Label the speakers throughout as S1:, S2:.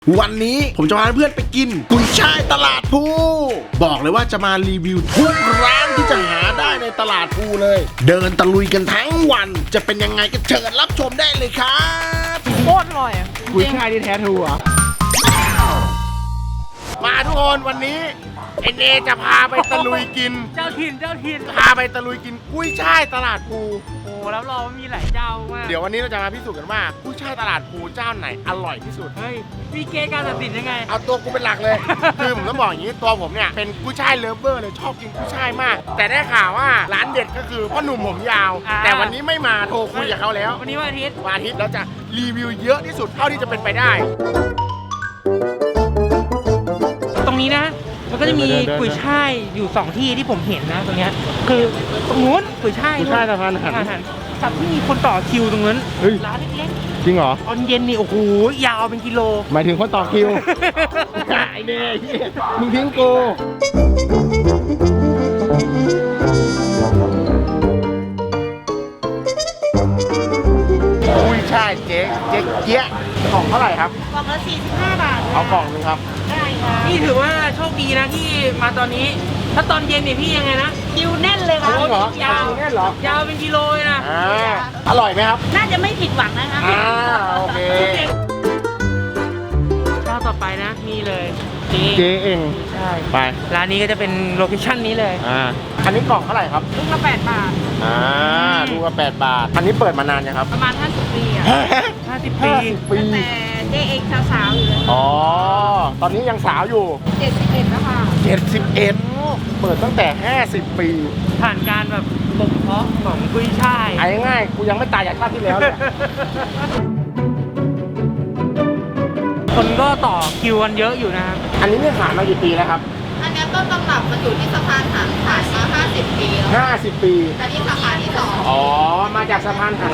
S1: วันนี้ผมจะพาเพื่อนไปกินกุยช่ายตลาดภูบอกเลยว่าจะมารีวิวทุกร้านที่จะหาได้ในตลาดภูเลยเดินตะลุยกันทั้งวันจะเป็นยังไงก็เชิญรับชมได้เลยครับ
S2: โคตรอร่อย
S3: กุยช่ายที่แท้ทรูอ่ะ
S1: มาทุกคนวันนี้เอ็นเอจะพาไปตะลุยกิน
S2: เจ้าถิ่น
S1: พาไปตะลุยกินกุ้ยช่ายตลาดภู
S2: โอ้แล้วเรามีหลายเจ้ามาก
S1: เดี๋ยววันนี้เราจะมาพิสูจน์กันว่ากุ้ยช่ายตลาดภูเจ้าไหนอร่อยที่สุด
S2: เฮ้ยมีเกณฑ์การตัดสินยังไง
S1: เอาตัวกูเป็นหลักเลย คือผมต้องบอกอย่างนี้ตัวผมเนี่ยเป็นกุ้ยช่ายเลิฟเวอร์เลยชอบกินกุ้ยช่ายมากแต่ได้ข่าวว่าร้านเด็ดก็คือพ่อหนุ่มผมยาวแต่วันนี้ไม่มาโทรคุยกับเขาแล้ว
S2: วันนี้วันอาทิตย์
S1: เราจะรีวิวเยอะที่สุดเท่าที่จะเป็นไปได้
S2: ตรงนี้นะมันก็จะมีกุยช่ายอยู่2ที่ที่ผมเห็นนะตรงเนี้ยคือตรงนู้นกุยช่าย
S3: สะพานหัน
S2: กับที่มีคนต่อคิวตรงนั้นร้านเล็ก
S3: ๆจริงเหรอ
S2: ตอนเย็นนี่โอ้โหยาวเป็นกิโล
S3: หมายถึงคนต่อคิวไอ้เด้มึงทิ้งกู
S1: กุ้ยช่ายเจ๊เจี๊ยกล่องเท่าไหร่ครับ
S4: กล่องละ45 บาท
S1: เอากล่องนึงครับ
S4: ได้ค่ะ
S2: นี่ถือว่าโชคดีนะที่มาตอนนี้ถ้าตอนเย็นเนี่ยพี่ยังไงนะ
S4: คิวแน่นเลยค่ะ
S2: ยาวเป็นกิโลเลยนะ
S1: อร่อยไหมครับ
S4: น่าจะไม่ผิดหวังนะคะ
S1: โอเค
S2: เจ้าต่อไปนะนี่เลย
S3: เจ๊เอง
S2: ใช่
S3: ไป
S2: ร้านนี้ก็จะเป็นโลเคชั่นนี้เลย
S1: อันนี้กล่องเท่าไหร่ครับ
S4: ลูกละ8 บาท
S1: ลูกละ8 บาทอันนี้เปิดมานานยังครับ
S4: ประมาณ50 ปีอ่ะ
S2: 50 ปี
S4: แต่เจ๊เองสาวๆอยู่เลย
S1: ตอนนี้ยังสาวอยู่
S4: 71แล้วค่ะ
S1: 71เปิดตั้งแต่50 ปี
S2: ผ่านการแบบบ่มเพาะของกุ้ยช่าย
S1: ง่ายๆกูยังไม่ตายจากชาติที่แล้วเลย
S2: คนก็ต่อคิวกันเยอะอยู่นะครับ
S1: อันนี้เนี่ยขายมากี่ปีแล้วครับ
S4: อันนี้ต้นตำรับมันอยู่ที่สะพานหันขายมา50 ปีแล้ว
S1: 50 ปี
S4: แต่นี่สาขาที่2
S1: มาจากสะพานหัน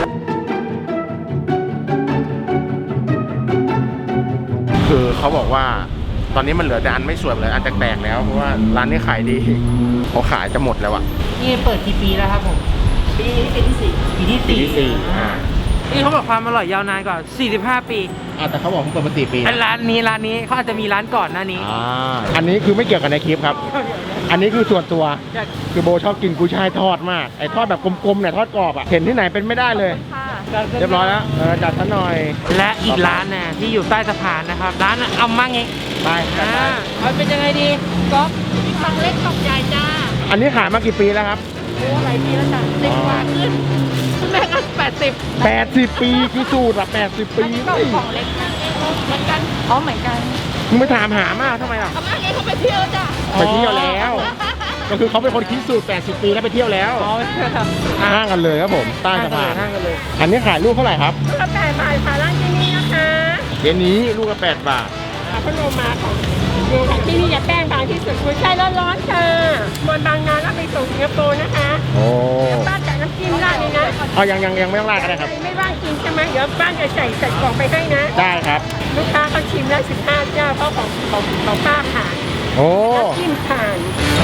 S1: คือเขาบอกว่าตอนนี้มันเหลือแต่อันไม่สวยเลยอันแตกๆแล้วเพราะว่าร้านนี้ขายดีเขาขายจะหมดแล้วอะ
S2: นี่เปิดกี่ปีแล้วครับผม
S4: ปีที่4
S2: ปีที่4นี่เขาบอกความอร่อยยาวนานกว่า45 ปี
S1: แต่เขาบอกเขาเปิดมา4 ปี
S2: ร้านนี้เขาอาจจะมีร้านก่อนหน้านี้
S1: อันนี้คือไม่เกี่ยวกับในคลิปครับอันนี้คือส่วนตัวคือโบชอบกินกุ้ยช่ายทอดมากไอ้ทอดแบบกลมๆเนี่ยทอดกรอบอ่ะเห็นที่ไหนเป็นไม่ได้เลยเรียบร้อยแล้วจัดซะหน่อย
S2: และอีกร้านน่ะที่อยู่ใต้สะพานนะครับร้านเอามั่งไง
S1: ไป
S2: เอาเป็นยังไงดีก๊อฟ
S4: กล่องเล็กกล่องใหญ่จ้า
S1: อันนี้ขายมากี่ปีแล้วครับ
S4: โอ้หลายปีแล้วจ้ะ10 กว่าขึ้นแม่ก็
S1: 80 ปีคือสูตรอะ80 ปี
S4: กล่องเล็กเหมือนกันเหมือนกัน
S1: มึงไปถามหามากทำไมล่ะ
S4: เขามาไงเขาไปเที่ยวจ้ะ
S1: ไปเที่ยวแล้วก็คือเขาเป็นคนคิดสูตร80 ปีแล้วไปเที่ยวแล้วห้างกันเลยครับผมใต้สะพานอันนี้ขายลูกเท่าไหร่ครับ
S4: ลูกละ8 บาทค่ะร้านที่นี่นะคะ
S1: เดี๋ยวนี้ลูกละ8 บาท
S4: พัดลมมาของที่นี่จะแป้งบางที่สุดกุ้ยช่ายร้อนๆค่ะบนบางนาแล้วไปส่งสิงคโปร์นะคะบ้านจัดน้ำจิ้มราดเลยนะ
S1: ยังไม่ต้องราดก็ได้ครับ
S4: ไม่ว่างกินใช่ไหมเดี๋ยวบ้านจะใส่กล่องไปให้นะ
S1: ได้ครับ
S4: ลูกค้าเขาชิมได้15 เจ้าเพราะของป้าผ่านน้ำจิ้มผ่าน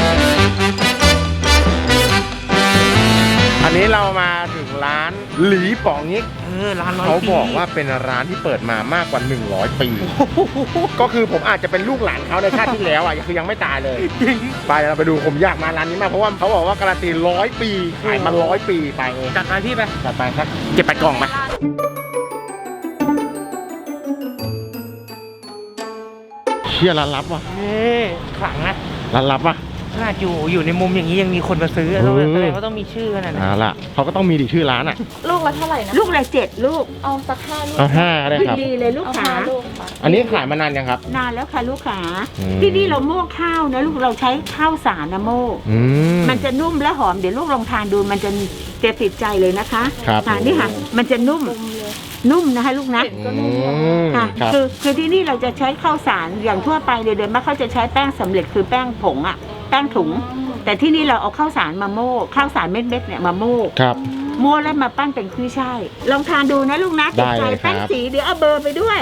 S1: อันนี้เรามาถึงร้านหลีป๋องงิก
S2: ร้าน
S1: เขาบอกว่าเป็นร้านที่เปิดมามากกว่า100 ปีก็คือผมอาจจะเป็นลูกหลานเขาในชาติที่แล้วคือยังไม่ตายเลยไปเราไปดูผมอยากมาร้านนี้มากเพราะว่าเขาบอกว่าการันตี100 ปีขายมา100 ปีไป
S2: จัดไปพี่ไป
S1: จัดไปครับเก็บไปกล่องไหมเชี่ยร้านลับว่ะ
S2: ขลังนะ
S1: ร้านลับว่ะ
S2: ขนาดอยู่ในมุมอย่างนี้ยังมีคนมาซื้อแสดงว่าต้องมีชื่อขนาดนั้น
S1: ล่ะเขาก็ต้องมีดิชื่อร้านอ่ะ
S4: ลูกละเท่าไหร่นะลูกละ7 ลูกเอาสัก5 ลูก
S1: เอา5ได้ครับ
S4: ดีเลยลูกค้า
S1: อันนี้ขายมานานยังครับ
S4: นานแล้วค่ะลูกค้าที่นี่เราโม่ข้าวนะลูกเราใช้ข้าวสารนะโม่มันจะนุ่มและหอมเดี๋ยวลูกลองทานดูมันจะติดใจเลยนะคะนี่ค่ะมันจะนุ่มนะคะลูกนะค่ะคือที่นี่เราจะใช้ข้าวสารอย่างทั่วไปเลยโดยมากเขาจะใช้แป้งสำเร็จคือแป้งผงอ่ะแป้งถุงแต่ที่นี่เราเอาข้าวสารมาโม่ข้าวสารเม็ดๆเนี่ยมาโม่โม่แล้วมาปั้นเป็นกุ้ยช่ายลองทานดูนะลูกนะติดใจแป้งสีเดี๋ยวเอาเบอร์ไปด้วย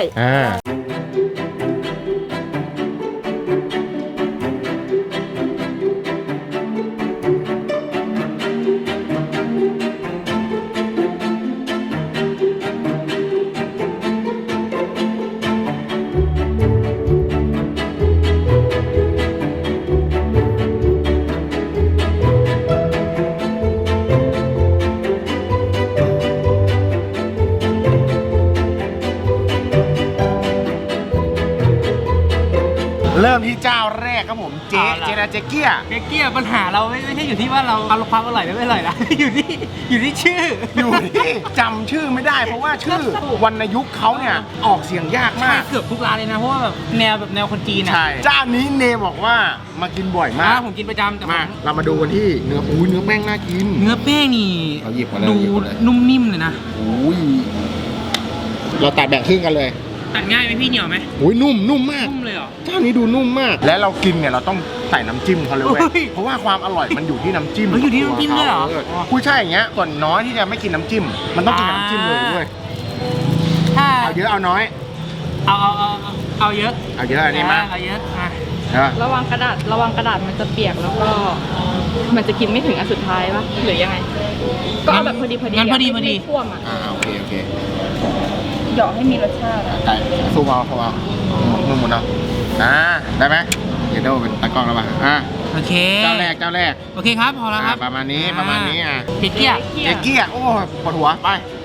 S1: เริ่มที่เจ้าแรกครับผมเจนาเจเกีย
S2: เจ๊เกี้ยปัญหาเราไม่ใช่อยู่ที่ว่าเราความอร่อยไม่อร่อยนะ อยู่ที่ชื่อ
S1: อยู่ที่จำชื่อไม่ได้ เพราะว่าชื่อวรรณยุกต์เขาเนี่ยออกเสียงยาก
S2: ใช่
S1: มาก
S2: เกือบทุกร้านเลยนะเพราะว่าแบบแนวคนจีนอ่ะ
S1: ใช่เจ้านี้เนมบอกว่ามากินบ่อยมาก
S2: ผมกินประจำแต่
S1: มาเรามาดูกันที่เนื้อเนื้อแป้งน่ากิน
S2: เนื้อแป้งนี่
S1: เอาหยิบมาเลย
S2: ดู
S1: หยิบมาเลย
S2: นุ่มนิ่มเลยนะ
S1: อุ้ยเราตัดแบ่งครึ่งกันเลย
S2: ตัดง่ายไหมพี่เหนียวไหม
S1: อุ้ยนุ่มมาก
S2: นุ่มเลยเหรอ
S1: เจ้านี้ดูนุ่มมาก และเรากินเนี่ยเราต้องใส่น้ำจิ้มเขาเลยเว้ย
S2: เฮ้ย
S1: เพราะว่าความอร่อยมันอยู่ที่น้ำจิ้ม
S2: เฮ้ยอยู่ที่น้ำจิ้มด้วยเหรอ
S1: ผู้ใช่อย่างเงี้ยส่วนน้อยที่จะไม่กินน้ำจิ้ม มันต้องกินน้ำจิ้มเลยเว้ย
S2: ถ้า
S1: เอาเยอะเอาน้อย
S2: เอาเยอะ
S1: เอาเยอะอันนี้มา
S2: เอาเยอะอ่ะ
S1: ใช่ปะ
S5: ระวังกระดาษมันจะเปียกแล้วก็ มันจะกินไม่ถึงอันสุดท้ายปะหรือยังไง ก็เอาแบบพอดี
S2: งั้นพอดี
S5: ไม่ท่วมอ่ะ
S1: โอเค
S5: หยอกให้มีรสชาติอ่ะ
S1: ไก่สู้เอาเขาเอามือหมุนเอาได้ไหมเดี๋ยวเป็นตากล้องแล้วป่ะ
S2: โอเค
S1: เจ้าแรก
S2: โอเคครับพอแล้วครับ
S1: ประมาณนี้อ่ะ
S2: เจ๊เกี้ย
S1: เจ๊เกี้ยโอ้ปวดหัวไป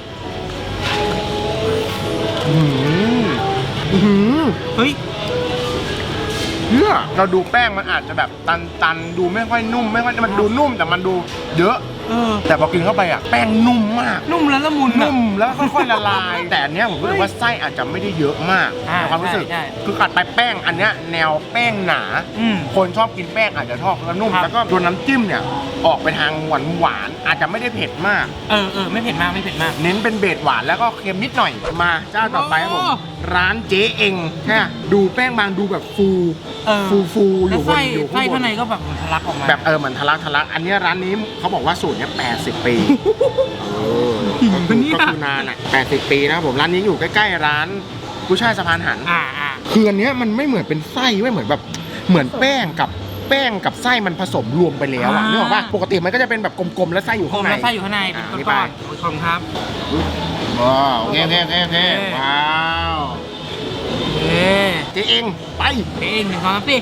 S1: อื้อหือ
S2: เฮ้ย
S1: เพื่อเราดูแป้งมันอาจจะแบบตันดูไม่ค่อยนุ่มไม่ค่อยมันดูนุ่มแต่มันดูเยอะ แต่พอกินเข้าไปอ่ะแป้งนุ่มมาก
S2: นุ่มแล้วละมุน
S1: นุ่มแล้วค่อยๆละลาย แต่อันเนี้ยผมรู้สึกว่าไส้อาจจะไม่ได้เยอะมากในความรู้สึก
S2: ใช่
S1: คือกัดไปแป้งอันเนี้ยแนวแป้งหนา คนชอบกินแป้งอาจจะชอบแล้วนุ่ม
S2: ครับ
S1: แล้วก็ตัวน้ำจิ้มเนี่ยออกไปทางหวานอาจจะไม่ได้เผ็ดมาก
S2: ไม่เผ็ดมาก
S1: เน้นเป็นเบสหวานแล้วก็เค็มนิดหน่อยมาเจ้าต่อไปครับผม
S2: โอ้
S1: ร้านเจ๊เองใช่ไหมดูแป้งบางดูแบบฟู อ
S2: แล้ว
S1: ยู่บ
S2: ไส้
S1: นอยู่
S2: ไส้
S1: ข้างบ
S2: ข้าง
S1: น
S2: ในก็แบบทะลักออกมา
S1: แบบเหมือนทะลักอันเนี้ยร้านนี้เขาบอกว่าสูตรเนี้ย80 ปีก็คือนานอ่ะ80 ปีนะครับผมร้านนี้อยู่ใกล้ๆร้านกุ้ยช่ายสะพานหัน คืออันเนี้ยมันไม่เหมือนเป็นไส้ไม่เหมือนแบบเหมือนแป้งกับไส้มันผสมรวมไปแล้วอะนึกออกป่ะปกติมันก็จะเป็นแบบกลมๆแล้วไส้อยู่ข้างใน
S2: แล้วไส้อยู่ข้างในเป็น
S1: นี่
S2: ก้
S1: ไป
S2: อนๆผู้ชมครับ
S1: ว้าวโอเคว้าว
S2: เอ๊ะ
S1: เจ๊เองไป
S2: เองหนึ่งสองสามสี่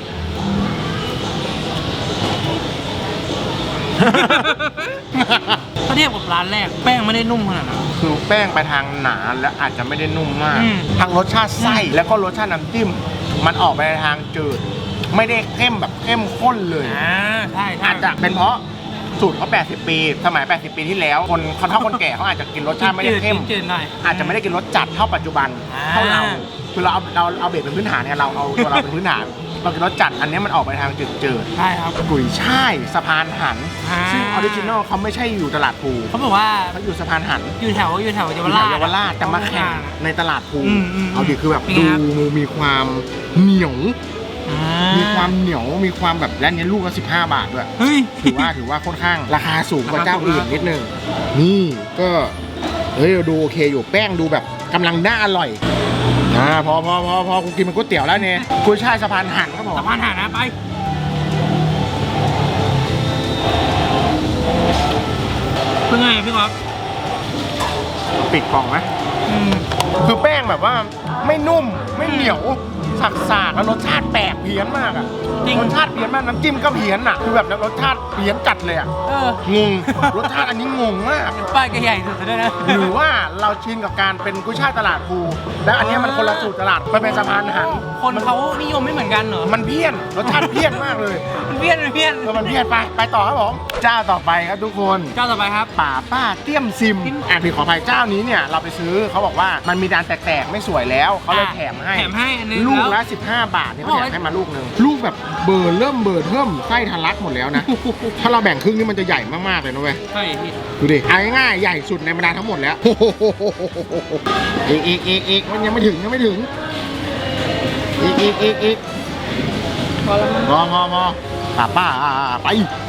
S2: ถ้าเทียบกับร้านแรกแป้งไม่ได้นุ่มขนาดนั้น
S1: คือแป้งไปทางหนาและอาจจะไม่ได้นุ่มมาก
S2: อืม
S1: ทางรสชาติไส้แล้วก็รสชาติน้ำจิ้มมันออกไปในทางจืด ไม่ได้เข้มแบบเข้มข้นเลย
S2: ใช่
S1: อาจจะเป็นเพราะสูตรเขา80 ปีสมัย80 ปีที่แล้วคนเฒ่าคนแก่เขาอาจจะกินรสชาติไม่ได้เข้ม
S2: จืดหน่อย
S1: อาจจะไม่ได้กินรสจัดเท่าปัจจุบัน เท่าเราคือเราเอาเบสเป็นพื้นฐานเนี่ยเราเอาตัวเราเป็นพื้นฐานเรากินรสจัดอันนี้มันออกไปทางจืด
S2: ใช่ครับ
S1: ๆกุยช่ายสะพานหัน
S2: อ่า
S1: ซึ่งออริจินอลเขาไม่ใช่อยู่ตลาดภู
S2: เขาบอกว่า
S1: เขาอยู่สะพานหัน
S2: อยู่แถวเยาว
S1: อยู่
S2: ราช
S1: แถวเยาวราชแต่มาแข่งในตลาดภู
S2: อืม
S1: เอาดิคือแบบ
S2: เป็นไง
S1: ดู
S2: ครับ
S1: มีความเหนียว
S2: อ่
S1: มีความเหนียวมีความแบบและอันนี้ลูกละ15 บาทด้วย
S2: เฮ้ย
S1: ถือว่าค่อนข้างราคาสูงกว่าเจ้าอื่น
S2: ราคาสูง
S1: นิดนึงนี่ก็เฮ้ยดูโอเคอยู่แป้งดูแบบกำลังน่าอร่อยพอกูกินมันก๋วยเตี๋ยวแล้วเนี่ยกุ้ยช่ายสะพานหันครับผม
S2: สะพานหานะไปเป็นไงพี่ก๊อฟ
S1: ปิดกล่องไหมคือแป้งแบบว่าไม่นุ่มไม่เหนียวสากๆแล้วรสชาติแปลกเพี้ยนมากอะ
S2: จริง
S1: รสชาติเพี้ยนมากน้ำจิ้มก็เพี้ยนอะคือแบบรสชาติเพี้ยนจัดเลยอะงงรสชาติอันนี้งงมาก
S2: ป้ายก็ใหญ่สุดเลยนะ
S1: หรือว่าเราชินกับการเป็นกุ้ยช่ายตลาดภูแล้วอันเนี้ยมันคนละสูตรตลาดมันเป็นสะพานหัน
S2: คนเขานิยมไม่เหมือนกันเหรอ
S1: มันเพี้ยนรสชาติเพี้ยนมากเลย
S2: มันเพี้ยน
S1: มันเพี้ยนไปต่อครับผมเจ้าต่อไปครับทุกคน
S2: เจ้าต่อไปครับ
S1: ป่าป้าเตี้ยมซิมพี่ขออภัยเจ้านี้เนี่ยเราไปซื้อเขาบอกว่ามันมีดานแตกๆไม่สวยแล้วเขาเลยแถมให้
S2: อันนึง
S1: ลูก
S2: แว
S1: ละ15 บาทนี่เขาแถมให้มาลูกนึงลูกแบบเบิร์เริ่มไส้ทะลักหมดแล้วนะ ถ้าเราแบ่งครึ่งนี่มันจะใหญ่มากๆเลยนะเว้ย
S2: ใช่พี่
S1: ดูดิเอาง่ายๆใหญ่สุดในบรรดาทั้งหมดแล้ว อีกมันยังไม่ถึงอีกพอป้าไป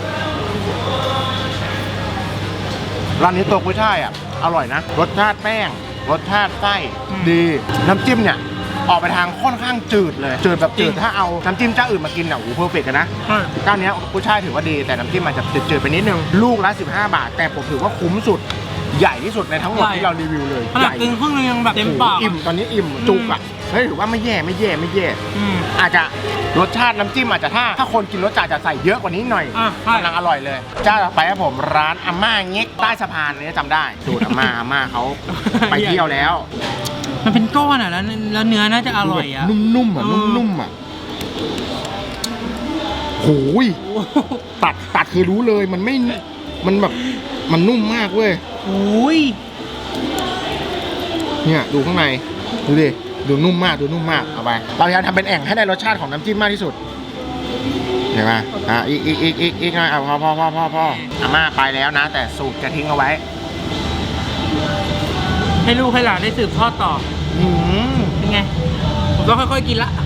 S1: ร้านนี้ตัวกุ้ยช่ายอ่ะอร่อยนะรสชาติแป้งรสชาติไส้ดีน้ำจิ้มเนี่ยออกไปทางค่อนข้างจืดเลยจืดแบบจืดถ้าเอาน้ำจิ้มเจ้าอื่นมากินเนี่ยโอ้โหเพอร์เฟกต์นะเจ้านี้กุ้ยช่ายถือว่าดีแต่น้ำจิ้มอาจจะจืดๆไปนิดนึงลูกละ15 บาทแต่ผมถือว่าคุ้มสุดใหญ่ที่สุดในทั้งหมดที่เรารีวิวเลย
S2: ขนาดกินครึ่งนึงยังแบบเต็มปาก
S1: อิ่มตอนนี้อิ่มจุกอ่ะเฮ้ยถือว่าไม่แย่อาจจะรสชาติน้ำจิ้มอาจจะถ้าคนกินรสจัดจะใส่เยอะกว่านี้หน่อยกำลังอร่อยเลยเจ้าต่อไปครับผมร้านอาม่าเง็กใต้สะพานนี่จำได้สูตรอาม่าเขาไปเที่ยวแล้ว
S2: มันเป็นก้อนอ่ะแล้วเนื้อน่าจะอร่อยอ่ะ
S1: นุ่มๆอ่ะ
S3: โหยตัดคือรู้เลยมันไม่มันแบบมันนุ่มมากเว้ย
S2: อุ้ย
S3: เนี่ยดูข้างในดูดิดูนุ่มมากเอาไปเราพยายามทำเป็นแอ่งให้ได้รสชาติของน้ำจิ้มมากที่สุดเห็นไหมอีกหน่อยพออาม่าไปแล้วนะ แต่สูตรจะทิ้งเอาไว้
S2: ให้ลูกให้หลานได้สืบทอดต่อ เป็นไง ผมต้องค่อยๆกินละ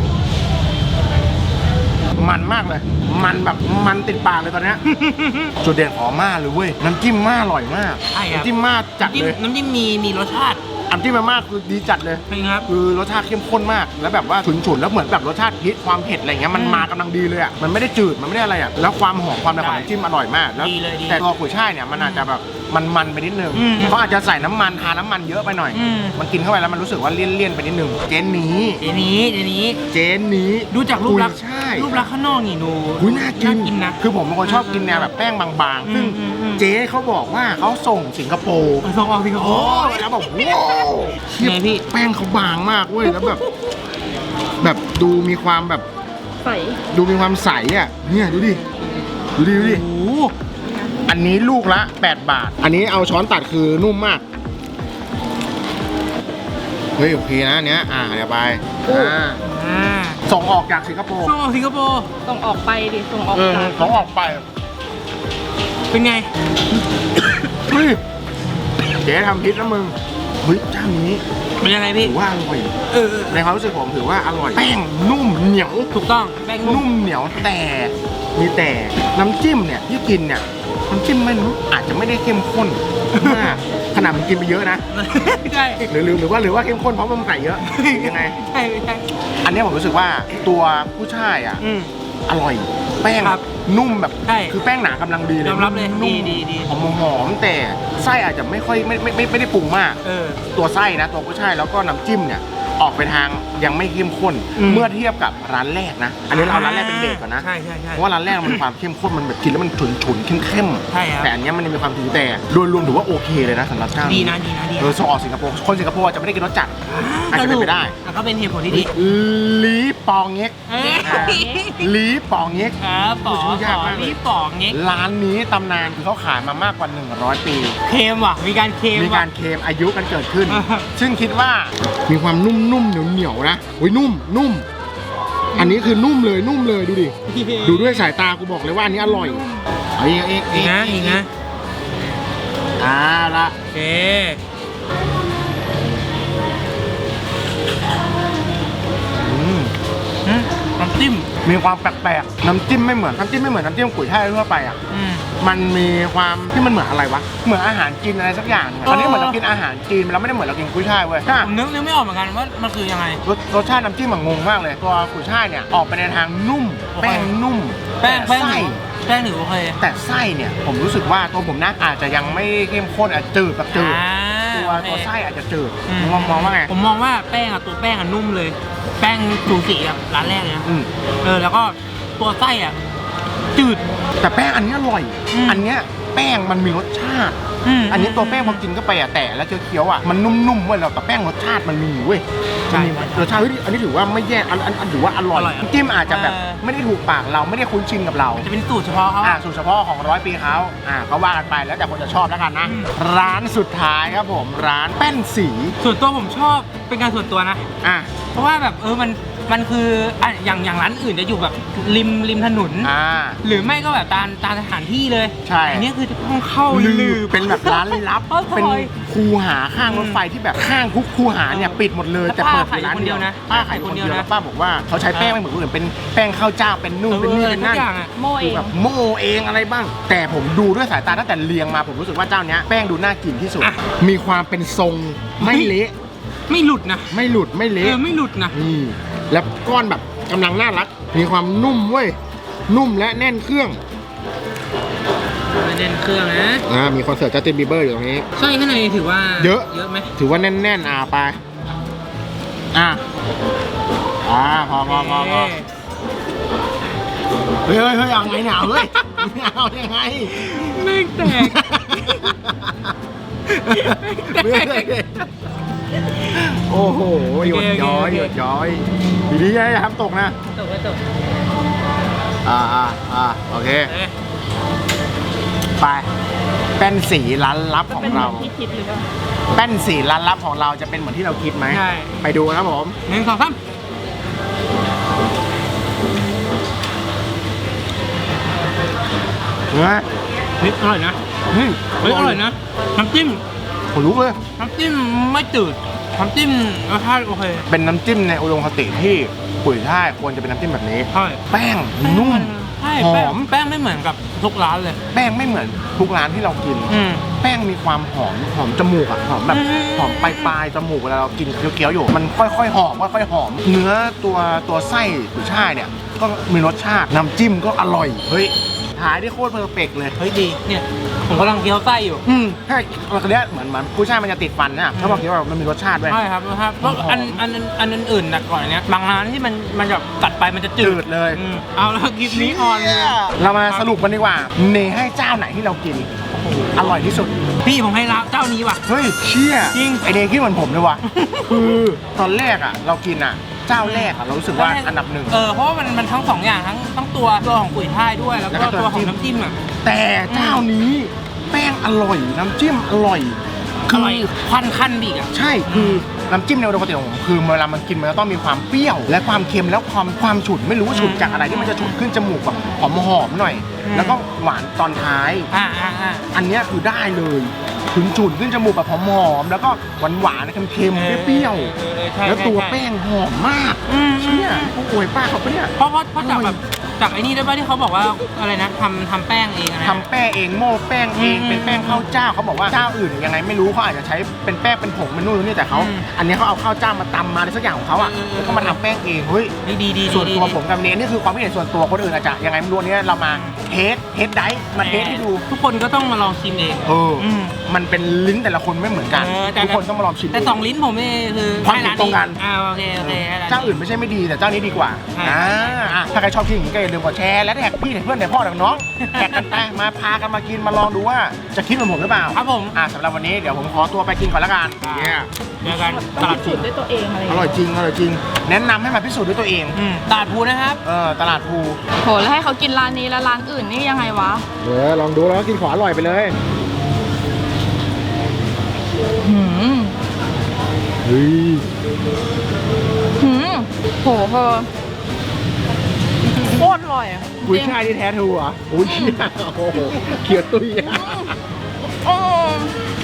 S3: มันมากเลย มันแบบมันติดปากเลยตอนเนี้ย จุดเด่นของอาม่าเลยเว้ยน้ำจิ้มม่าอร่อยมาก
S2: ใช่ครับ
S3: น้ำจิ้มม่าจัดเลย
S2: น้ำจิ้มมีรสชาติ
S3: น้ำจิ้มม่าคือดีจัดเลย
S2: เป็นไงครับ
S3: คือรสชาติเข้มข้นมาก แล้วแบบว่าฉุนๆแล้วเหมือนแบบรสชาติพริกความเผ็ดอะไรเงี้ยมันมากำลังดีเลยอ่ะมันไม่ได้จืดมันไม่ได้อะไรอ่ะแล้วความหอมความอะไรของน้ำจิ้มอร่อยมากแล้ว
S2: ดีเลยดี
S3: แต่ตัวกุยช่ายเนี่ยมันอาจจะแบบมันไปนิดนึง
S2: อืม
S3: เขาอาจจะใส่น้ำมันทาน้ำมันเยอะไปหน่อย
S2: อืม
S3: มันกินเข้าไปแล้วมันรู้สึกว่าเลี่ยนๆไปนิดนึงเจนนี้
S2: เดี๋ยวนี้
S3: ดู
S2: ดูจากรูปลักษณ์
S3: ใช่
S2: รูปลักษณ์ข้างนอกนี่ดู
S3: อุ้ยน่ากิน
S2: นะ
S3: คือผมเป็นคนชอบกินแนวแบบแป้งบางๆ ซึ่ง
S2: อืม
S3: เจ๊เขาบอกว่าเขาส่งสิงคโปร์
S2: ส่งออกสิครับ
S3: โอ้ยแล้วแบบว้าว
S2: ไงพี่
S3: แป้งเขาบางมากเว้ยแล้วแบบดูมีความแบบ
S5: ใส่
S3: ดูมีความใสอ่ะเนี่ยดูดิ
S2: โอ้โห
S3: อันนี้ลูกละ8 บาท อันนี้เอาช้อนตัดคือนุ่มมากเฮ้ยโอเคนะอันเนี้ยเดี๋ยวไปส่งออกจากสิงคโปร์
S2: ส่งออกสิงคโปร์
S5: ส่งออกไปดิส่งออกจาก
S3: ส่งออกไป
S2: เป็นไง
S3: เฮ้ยเจ๊ทำพิษนะมึงเฮ้ยเจ้านี้
S2: เป็นยังไงพี่
S3: ถือว่าอร่อย
S2: เออ
S3: ในความรู้สึกผมถือว่าอร่อย แป้งนุ่มเหนียว
S2: ถูกต้อง แป้งนุ่ม
S3: นุ่มเหนียวแต่มีแต่น้ำจิ้มเนี่ยที่กินเนี่ยน้ำจิ้มมันอาจจะไม่ได้เข้มข้นมากขนาดมันกินไปเยอะนะ
S2: ใช่
S3: หรือว่าเข้มข้นเพราะมันใส่เยอะยังไง
S2: ใช่ไม่ใช่
S3: อันเนี้ยผมรู้สึกว่าตัวผู้ชายอ่ะ
S2: อืม
S3: อร่อย แป้ง
S2: ครับ
S3: นุ่มแบบ
S2: ใช่
S3: คือแป้งหนากำลังดีเลย
S2: ยอมรับเลย
S3: นุ่ม
S2: ดี
S3: หอมแต่ไส้อาจจะไม่ค่อยไม่ได้ปรุงมาก
S2: เออ
S3: ตัวไส้นะตัวกุ้ยช่ายแล้วก็น้ำจิ้มเนี่ยออกไปทางยังไม่เข้มข้น
S2: อืม
S3: เมื่อเทียบกับร้านแรกนะ อันนี้เราเอาร้านแรกเป็นเบสก่อนนะ
S2: ใช่
S3: เพราะว่าร้านแรกมันมีความเข้มข้นมันแบบกินแล้วมันฉุนเข้ม
S2: ใช่ครับ
S3: แต่อันเนี้ยมันมีความถึงแต่โดยรวมถือว่าโอเคเลยนะสำหรับเจ้า
S2: ดีนะดี
S3: ส่งออกสิงคโปร์คนสิงคโปร์อาจจะไม่ได้กินรสจัด อาจจะเป็นไปได้
S2: ก็เป็นเหตุผลที่ดี
S3: ลีปองเง็ก
S2: เอ้ย
S3: ลีปองเง็ก
S2: ครับป๋อ
S3: ชื่อยากมากเลย
S2: นี่ป๋องเงี้ย
S3: ร้านนี้ตำนานคือเขาขายมามากกว่า100 ปี
S2: เค็มว่ะ มีการเค็ม
S3: มี
S2: ว่ะ
S3: การเคลมอายุกันเกิดขึ้น
S2: อ่าฮะ
S3: ซึ่งคิดว่ามีความนุ่มๆเหนียวๆนะโอ้ยนุ่ม อันนี้คือนุ่มเลยดูดิ ดูด้วยสายตากูบอกเลยว่าอันนี้อร่อยเอาอีก
S2: อีกนะ
S3: ละ
S2: โอเค น้ำจิ้ม
S3: มีความแปลกๆน้ำจิ้มไม่เหมือนน้ำจิ้มกุยช่ายทั่วไปอ่ะ มันมีความที่มันเหมือนอะไรวะ เหมือนอาหารจีนอะไรสักอย่างหนึ่งอะ
S2: เออ
S3: อันนี้เหมือนเรากินอาหารจีนเราไม่ได้เหมือนเรากินกุ้ยช่ายเว้ย
S2: ผมนึกไม่ออกเหมือนกันว่ามันคือยังไง
S3: รสชาติน้ำจิ้มมันงงมากเลย ตัวกุ้ยช่ายเนี่ยออกไปในทางนุ่ม
S2: โอเค
S3: แป้งนุ่ม
S2: แป้ง
S3: แต่ไส้
S2: ถือโอเค
S3: แต่ไส้เนี่ยผมรู้สึกว่าตัวผมนะอาจจะยังไม่เข้มข้นอาจจะจืดแบบจืด ตัวไส้อาจจะจืดมองว่าไง
S2: ผมมองว่าแป้งอะตัวแป้งอะนุ่มเลย แป้งสูสีกับร้านแรกเลยนะ
S3: อืม
S2: แล้วก็ตัวไส้อะจืด
S3: แต่แป้งอันนี้อร่อย
S2: อืม
S3: อันเนี้ยแป้งมันมีรสชาติ อันนี้ตัวแป้งพอกินเข้าไปอะแต่แล้วเคี้ยวๆอะมันนุ่มๆเว้ยแต่แป้งรสชาติมันมีอยู่เว้ย
S2: ใช่
S3: มันมีรสชาติเฮ้ยอันนี้ถือว่าไม่แย่อันถือว่าอร่อย
S2: อร่อยอะ
S3: น้ำจิ้มอาจจะแบบไม่ได้ถูกปากเราไม่ได้คุ้นชินกับเรา
S2: จะเป็นสูตรเฉพาะเขา
S3: สูตรเฉพาะของ100 ปีเขาก็ว่ากันไปแล้วแต่คนจะชอบแล้วกันนะ
S2: อืม
S3: ร้านสุดท้ายครับผมร้านแป้นสี
S2: ส่วนตัวผมชอบเป็นการส่วนตัวนะ
S3: อ่ะ
S2: เพราะว่าแบบมันคืออย่างร้านอื่นจะอยู่แบบริมถนน หรือไม่ก็แบบตามสถานที่เลย
S3: ใช่
S2: อันนี้คือต้องเข้า
S3: ลือเป็นแบบร้านลับ
S2: เข้าซอย
S3: เป็นคูหาข้างรถไฟที่แบบข้างทุกคูหาเนี่ยปิดหมดเลย
S2: แล้ว
S3: แต่เปิดอยู่ร้านเดียว
S2: ป้า
S3: ป้า
S2: ขา
S3: ขาย ย
S2: ค
S3: คน น
S2: เดี
S3: เดี
S2: ย
S3: ยว ว
S2: นะ
S3: แล้วป้าบอกว่าเขาใช้แป้งไม่เหมือนคนอื่นเป็นแป้งข้าวเจ้าเป็นนุ่มเป็นนี่เป็นนั่น
S2: ทุกอย่างอะ
S5: โม่เอ
S3: คื
S5: ง
S3: อแบบโม่เองอะไรบ้าง แต่ผมดูด้วยสายตาตั้งแต่เรียงมาผมรู้สึกว่าเจ้าเนี้ยแป้งดูน่ากินที่สุด
S2: อ่ะ
S3: มีความเป็นทรงไม่เละ
S2: ไม่หลุดนะ
S3: ไม่หลุดไม่เละ
S2: ไม่หลุดนะ
S3: นี่แล้วก้อนแบบกำลังน่ารัก มีความนุ่มเว้ยนุ่มและแน่นเครื่อง
S2: เด่นเครื่องนะ
S3: มีคอนเสิร์ตจัสตินบีเบอร์อยู่ตรงนี้
S2: ไส้ข้างในถือว่า
S3: เยอะ
S2: ไหม
S3: ถือว่าแน่นๆไปพอเฮ้ยเอาไงเนี่ยเฮ้ยเอายังไง
S2: ไม่แตก
S3: เฮ้ยโอ้โหหยดย้อยหยดย้อยดีๆอย่าทำตกนะ
S2: จบแล้วจบ
S3: โอเค ไปแป้นสีร้านลับของเรา
S5: ที่คิดหรือเปล่า
S3: แป้นสีร้านลับของเราจะเป็นเหมือนที่เราคิดไหม
S2: ใช่
S3: ไปดูครับผม
S2: 1 2 3
S3: เฮ้ย
S2: เฮ้ยอร่อยนะ
S3: เฮ้ย
S2: เฮ้ยอร่อยนะน้ำจิ้ม
S3: ผมรู้เลย
S2: น้ำจิ้มไม่จืดน้ำจิ้มรสชาติโอเค
S3: เป็นน้ำจิ้มในอุดมคติที่ปุ๋ยช่ายควรจะเป็นน้ำจิ้มแบบนี้
S2: ใช่
S3: แป้งนุ่ม
S2: ใช่
S3: ห
S2: แป้
S3: อง ม
S2: แป้งไม่เหมือนกับทุกร้านเลย
S3: แป้งไม่เหมือนทุกร้านที่เรากิน แป้งมีความหอมจมูกอะหอมแบบ
S2: อืม
S3: หอมปลายจมูกเวลาเรากินเคี้ยวๆอยู่ มันค่อยๆหอมค่อยๆหอม เนื้อตัวไส้กุยช่ายเนี่ยก็มีรสชาติน้ำจิ้มก็อร่อยเฮ้ยหายได้โคตรเพอร์เฟกต์เลย
S2: เฮ้ยดีเนี่ยผมกำลังเคี้ยวไส้อยู่
S3: ใช่เราเนี้ยเหมือนกุยช่ายมันจะติดฟันนะเขาบอกว่ามันมีรสชาติด้วย
S2: ใช่ครับนะครับเพราะอันอื่นๆหนักกว่านี้บางร้านที่มันแบบกัดไปมันจะจื
S3: จื
S2: ด
S3: ดเลย
S2: เอาแล้วคลิปนี้ออนเลย
S3: เรามาสรุปกันดีกว่าเนให้เจ้าไหนที่เรากินอร่อยที่สุด
S2: พี่ผมให้ร้านเจ้านี้ว่ะ
S3: เฮ้ยเชี่ย
S2: จริง
S3: ไอเดย์คิดเหมือนผมเลยว่ะ คือตอนแรกอ่ะเรากินอ่ะเจ้าแรกอ่ะเรารู้สึกว่าอันดับหนึ่ง
S2: เพราะว่ามันทั้งสองอย่างทั้งตัวของกุยช่ายด้วยแล้ว
S3: แล้วก็
S2: ก็
S3: ตัว
S2: ตัวของ
S3: น้ำ
S2: น้ำ
S3: จิ้
S2: จิ้
S3: ม
S2: มอ่ะ
S3: แต่เจ้านี้แป้งอร่อยน้ำจิ้มอร่อย
S2: อร่อยควันขั้นบีกอ่ะ
S3: ใช่คือน้ำจิ้มในอุดมคติของผมคือเวลามันกินมันจะต้องมีความเปรี้ยว และความเค็มแล้วความฉุนไม่รู้ว่าฉุนจากอะไรที่มันจะฉุนขึ้นจมูกแบบหอมๆหน่อย แล้วก็หวานตอนท้าย
S2: อ่า
S3: อันเนี้ยคือได้เลยถึงฉุนขึ้นจมูกแบบหอมๆแล้วก็หวานๆเค็มๆเปรี้ยวๆแล้วตัวแป้งหอมมากเชี่ยโอ้ยป้าเขาปะเนี่ย
S2: เพราะจากแบบจากไอ้นี่ด้วยป่ะที่เขาบอกว่าอะไรนะทำแป้งเองนะ
S3: ทำแป้งเองโม่แป้งเองเป็นแป้งข้าวเจ้าเขาบอกว่าเจ้าอื่นยังไงไม่รู้เขาอาจจะใช้เป็นแป้งเป็นผงเป็นนู่นนี่แต่เขาอันนี้เขาเอาข้าวเจ้ามาตำมาอะไรสักอย่างของเขาอ่ะแล้วก็มาทำแป้งเองเฮ้ย
S2: ดี
S3: ส่วนตัวผมกับเนยนี่คือความคิดเห็นส่วนตัวคนอื่นอาจจะยังไงไม่รู้เนี่ยเรามาเทสไดฟ์มาเทสให้ดู
S2: ทุกคนก็ต้องมาลองชิมเอง
S3: มันเป็นลิ้นแต่ละคนไม่เหมือนกันทุกคนต้องมาลองชิม
S2: แต่สองลิ้นผมนี่คือ
S3: ความเห็นตรงกัน
S2: โอเคให้ร้าน
S3: เจ้าอื่นไม่ใช่ไม่ดีแต่เจ้านี้ดีกว่า
S2: ใช่
S3: ถ้าใครชอบกินอย่างนี้ก็อย่าลืมกดแชร์และแท็กพี่แท็กเพื่อนแท็กพ่อแท็กน้องแท็กกันไปมาพากันมากินมาลองดูว่าจะคิดเหมือนผมหรือเปล่า
S2: ครับผม
S3: สำหรับวันนี้เดี๋ยวผมขอตัวไปกินก่อนละกัน
S2: เจอกันตลาด
S5: สูตรด้วยตัวเองอะไรอย่าง
S3: อ
S5: เงี้ย
S3: ร่อยจริงอร่อยจริง แนะนำให้มาพิสูจน์ด้วยตัวเอง
S2: ตลาดภูนะครับ
S3: ตลาดภู
S5: โหแล้วให้เขากินร้านนี้แล้วร้านอื่นนี่ยังไงวะ
S3: ลองดูแล้วกินของอร่อยไปเลย
S5: หืม
S3: เฮ้ย
S5: หืมโหเธอโคตรอร่อยอะ
S3: กุ้ยช่ายที่แท้ทรูเหรอ่ะโอ้ยเชี่ยโอ้โหเขียวตุ้ย
S5: อืม